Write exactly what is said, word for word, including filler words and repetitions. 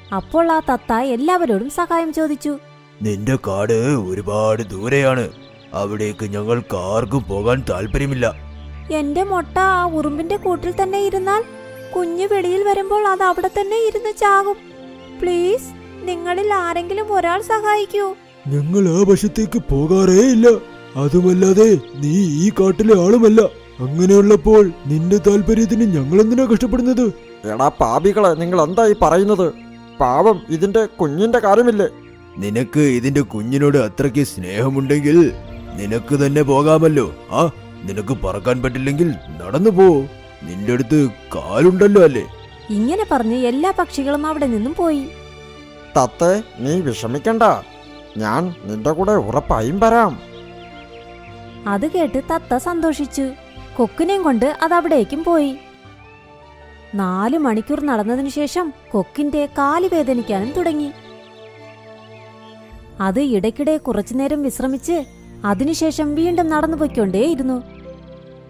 അപ്പോൾ ആ തത്ത എല്ലാവരോടും സഹായം ചോദിച്ചു. നിന്റെ കാട് ഒരുപാട് ദൂരെയാണ്, അവിടേക്ക് ഞങ്ങൾക്ക് ആർക്കും പോകാൻ താല്പര്യമില്ല. എന്റെ മുട്ട ആ ഉറുമ്പിന്റെ കൂട്ടിൽ തന്നെ ഇരുന്നാൽ കുഞ്ഞു വെളിയിൽ വരുമ്പോൾ അത് അവിടെ തന്നെ ഇരുന്ന് ചാകും. പ്ലീസ്, നിങ്ങളിൽ ആരെങ്കിലും ഒരാൾ സഹായിക്കൂ. ഞങ്ങൾ ആ വശത്തേക്ക് പോകാറേ ഇല്ല. അതുമല്ലാതെ നീ ഈ കാട്ടിലെ ആളുമല്ല. അങ്ങനെയുള്ളപ്പോൾ നിന്റെ താല്പര്യത്തിന് ഞങ്ങൾ എന്തിനാ കഷ്ടപ്പെടുന്നത്? എടാ പാപികളെ, നിങ്ങൾ എന്തായി പറയുന്നത്? പാവം ഇതിന്റെ കുഞ്ഞിന്റെ കാര്യമില്ലേ? നിനക്ക് ഇതിന്റെ കുഞ്ഞിനോട് അത്രയ്ക്ക് സ്നേഹമുണ്ടെങ്കിൽ നിനക്ക് തന്നെ പോകാമല്ലോ. ആ നിനക്ക് പറക്കാൻ പറ്റില്ലെങ്കിൽ നടന്നു പോ, നിന്റെ അടുത്ത് കാലുണ്ടല്ലോ അല്ലേ. ഇങ്ങനെ പറഞ്ഞ് എല്ലാ പക്ഷികളും അവിടെ നിന്നും പോയി. തത്തേ, നീ വിഷമിക്കണ്ട, ഞാൻ നിന്റെ കൂടെ ഉറപ്പായും വരാം. അത് കേട്ട് തത്ത സന്തോഷിച്ചു. കൊക്കിനെയും കൊണ്ട് അത് അവിടേക്കും പോയി. നാലു മണിക്കൂർ നടന്നതിനു ശേഷം കൊക്കിന്റെ കാല് വേദനിക്കാനും തുടങ്ങി. അത് ഇടയ്ക്കിടെ കുറച്ചുനേരം വിശ്രമിച്ച് അതിനുശേഷം വീണ്ടും നടന്നു പോയിക്കൊണ്ടേയിരുന്നു.